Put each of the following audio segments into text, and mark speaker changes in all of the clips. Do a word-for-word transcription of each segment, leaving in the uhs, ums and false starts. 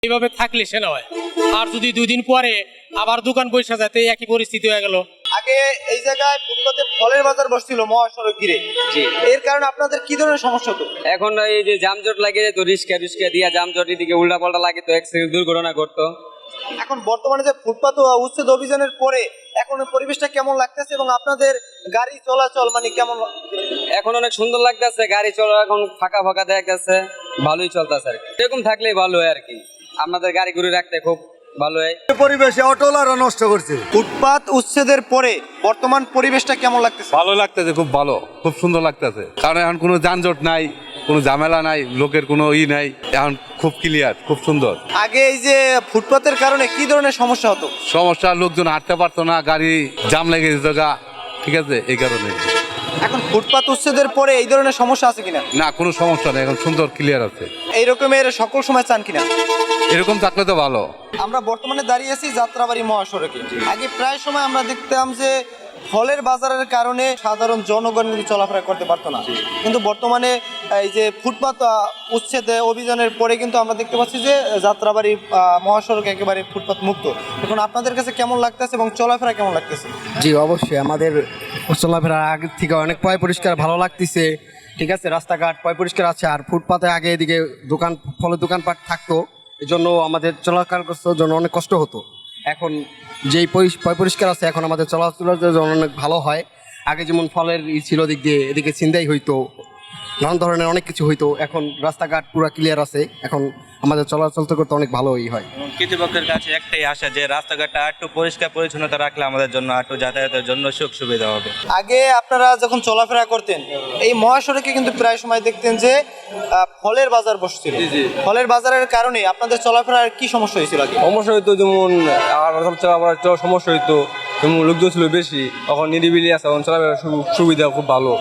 Speaker 1: এইভাবে থাকলে সে নয়। আর যদি দুই দিন পরে আবার দোকান বসে যায়, একই পরিস্থিতি হয়ে গেল।
Speaker 2: আগে এই জায়গায় ফুটপাতে ফলের বাজার বসছিল মহাসড়ক ঘিরে, এর কারণে আপনাদের কি ধরনের সমস্যা হতো?
Speaker 3: এখন এই যে যানজট লাগে তো রিস্কা রিস্কা দিয়া যানজট এদিকে উল্টা পাল্টা লাগে তো অ্যাক্সিডেন্ট দুর্ঘটনা ঘটতো।
Speaker 2: এখন বর্তমানে যে ফুটপাত উচ্ছেদ অভিযানের পরে এখন পরিবেশটা কেমন লাগতেছে এবং আপনাদের গাড়ি চলাচল মানে কেমন?
Speaker 3: এখন অনেক সুন্দর লাগতেছে, গাড়ি চলা এখন ফাঁকা ফাঁকা দেখা যাচ্ছে, ভালোই চলতেছে আর কি। এরকম থাকলেই ভালো হয় আর কি, আমাদের গাড়ি ঘুরে রাখতে খুব ভালো হয়।
Speaker 4: পরিবেশে অটোলারা নষ্ট করছে।
Speaker 2: ফুটপাত উচ্ছেদের পরে বর্তমান পরিবেশটা কেমন লাগতেছে?
Speaker 5: ভালো লাগতেছে, খুব ভালো, খুব সুন্দর লাগতেছে। কারণ এখন কোনো যানজট নাই, কোনো ঝামেলা নাই, লোকের কোনো ই নাই, এখন খুব ক্লিয়ার, খুব সুন্দর।
Speaker 2: আগে এই যে ফুটপাতের কারণে কি ধরনের সমস্যা হতো?
Speaker 5: সমস্যা, লোকজন হাঁটতে পারতো না, গাড়ি জাম লেগে যেত গা, ঠিক আছে, এই কারণে।
Speaker 2: এখন ফুটপাত উচ্ছেদের পরে এই ধরনের সমস্যা আছে কিনা?
Speaker 5: না, কোনো সমস্যা নেই, এখন সুন্দর ক্লিয়ার আছে।
Speaker 2: এই রকমের সকল সময় চান কিনা?
Speaker 5: এরকম থাকলে তো ভালো।
Speaker 2: আমরা বর্তমানে দাঁড়িয়ে আছি যাত্রাবাড়ি মহাসড়কে। আগে প্রায় সময় আমরা দেখতাম যে ফলের বাজারের কারণে সাধারণ জনগণ কিন্তু চলাফেরা করতে পারতো না, কিন্তু বর্তমানে এই যে ফুটপাত আহ, উচ্ছেদ অভিযানের পরে কিন্তু আমরা দেখতে পাচ্ছি যে যাত্রাবাড়ি আহ, মহাসড়ক একেবারে ফুটপাত মুক্ত। এখন আপনাদের কাছে কেমন লাগতেছে এবং চলাফেরা কেমন লাগতেছে?
Speaker 6: জি অবশ্যই, আমাদের চলাফেরা আগের থেকে অনেক পয় পরিষ্কার ভালো লাগতেছে। ঠিক আছে, রাস্তাঘাট পয় পরিষ্কার আছে। আর ফুটপাতে আগে এদিকে দোকান ফলের দোকানপাট থাকতো, এই জন্য আমাদের চলাচল করার জন্য অনেক কষ্ট হতো। এখন যেই পয় পরিষ্কার আছে, এখন আমাদের চলাচলের জন্য অনেক ভালো হয়। আগে যেমন ফলের ই ছিল দিক দিয়ে, এদিকে ছিনতাই হইতো, নানান ধরনের অনেক কিছু হইতো। এখন রাস্তাঘাট পুরো ক্লিয়ার আছে, এখন আমাদের চলাচল করতে অনেক ভালোই হয়।
Speaker 7: কর্তৃপক্ষের কাছে একটাই আশা যে রাস্তাঘাটটা একটু পরিষ্কার পরিচ্ছন্নতা রাখলে আমাদের জন্য একটু যাতায়াতের জন্য সুখ সুবিধা হবে।
Speaker 2: আগে আপনারা যখন চলাফেরা করতেন এই মহাসড়কে কিন্তু প্রায় সময় দেখতেন যে আহ, ফলের বাজার বসছিল। ফলের বাজারের কারণে আপনাদের চলাফেরার কি সমস্যা হয়েছিল আগে?
Speaker 8: সমস্যা হইতো যেমন আর চলাফেরার সমস্যা হইতো, যেমন লোকজন ছিল বেশি, এখন নিরিবিলি আছে, এখন চলাফেরার সুবিধা খুব ভালো।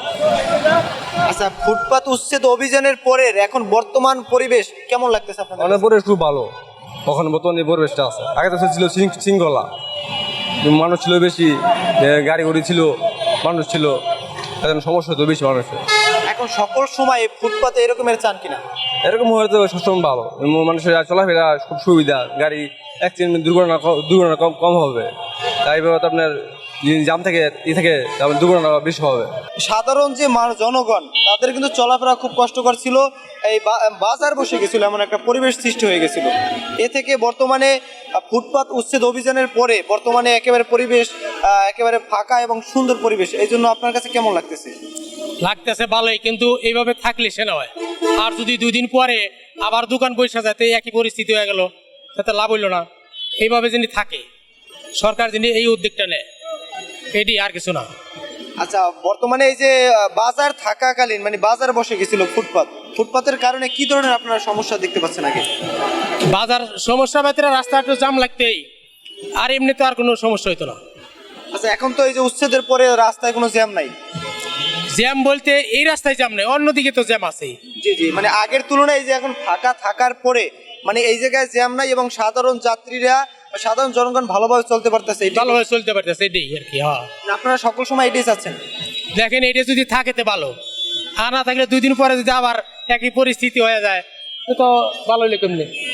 Speaker 2: আচ্ছা, ফুটপাত উচ্ছেদ অভিযানের পরে এখন বর্তমান পরিবেশ কেমন লাগতেছে আপনাদের?
Speaker 8: অনেক পরিবেশ খুব ভালো, এখন বর্তমানে পরিবেশটা আছে। আগে তো ছিল শৃঙ্খলা, মানুষ ছিল বেশি, গাড়ি গাড়ি ছিল, মানুষ ছিল, এখন সমস্যা হতো বেশি মানুষের।
Speaker 2: এখন সকল সময় ফুটপাতে এরকমের চান কিনা?
Speaker 8: এরকম হয়তো সবসময় ভালো, মানুষের চলাফেরা খুব সুবিধা, গাড়ি অ্যাক্সিডেন্ট দুর্ঘটনা দুর্ঘটনা কম কম হবে। তাই ব্যাপারে আপনার জাম থেকে ই থেকে দুর্ঘটনা বেশি হবে।
Speaker 2: সাধারণ যে মানুষ জনগণ তাদের কিন্তু চলাফেরা খুব কষ্টকর ছিল, এই বাজার বসে গেছিল, এমন একটা পরিবেশ সৃষ্টি হয়ে গেছিল। এ থেকে বর্তমানে ফুটপাত উচ্ছেদ অভিযানের পরে বর্তমানে একেবারে পরিবেশ আহ, একেবারে ফাঁকা এবং সুন্দর পরিবেশ। এই জন্য আপনার কাছে কেমন লাগতেছে?
Speaker 1: লাগতেছে ভালোই, কিন্তু এইভাবে থাকলে সে নয়। আর যদি দুই দিন পরে আবার দোকান বসে যায়, একই পরিস্থিতি হয়ে গেল, তাতে লাভ হইল না। এইভাবে যিনি থাকে, সরকার যিনি এই উদ্যোগটা নেয়, এটি আর কিছু না।
Speaker 2: আচ্ছা, বর্তমানে এই যে আহ, বাজার থাকাকালীন মানে বাজার বসে গেছিল ফুটপাত, ফুটপাতের কারণে কি ধরনের আপনারা সমস্যা দেখতে পাচ্ছেন আগে?
Speaker 1: বাজার সমস্যা ভেতরে রাস্তা একটু জাম লাগতেই, আর এমনি তো আর কোনো সমস্যা হইতো না।
Speaker 2: আচ্ছা, এখন তো এই যে উচ্ছেদের পরে রাস্তায় কোনো জ্যাম নাই।
Speaker 1: জ্যাম বলতে এই রাস্তায় জ্যাম নেই, অন্যদিকে তো জ্যাম আছে।
Speaker 2: জি জি, মানে আগের তুলনায় এই যে এখন ফাঁকা থাকার পরে মানে এই জায়গায় জ্যাম নাই এবং সাধারণ যাত্রীরা সাধারণ জনগণ ভালোভাবে চলতে পারতেছে,
Speaker 1: ভালোভাবে চলতে পারতেছে, এটাই আর কি। হ্যাঁ,
Speaker 2: আপনারা সকল সময় এটাই চাচ্ছেন?
Speaker 1: দেখেন, এটা যদি থাকে তো ভালো, আর না থাকলে দুই দিন পরে যদি আবার একই পরিস্থিতি হয়ে যায় তো ভালো হলে কেমনি।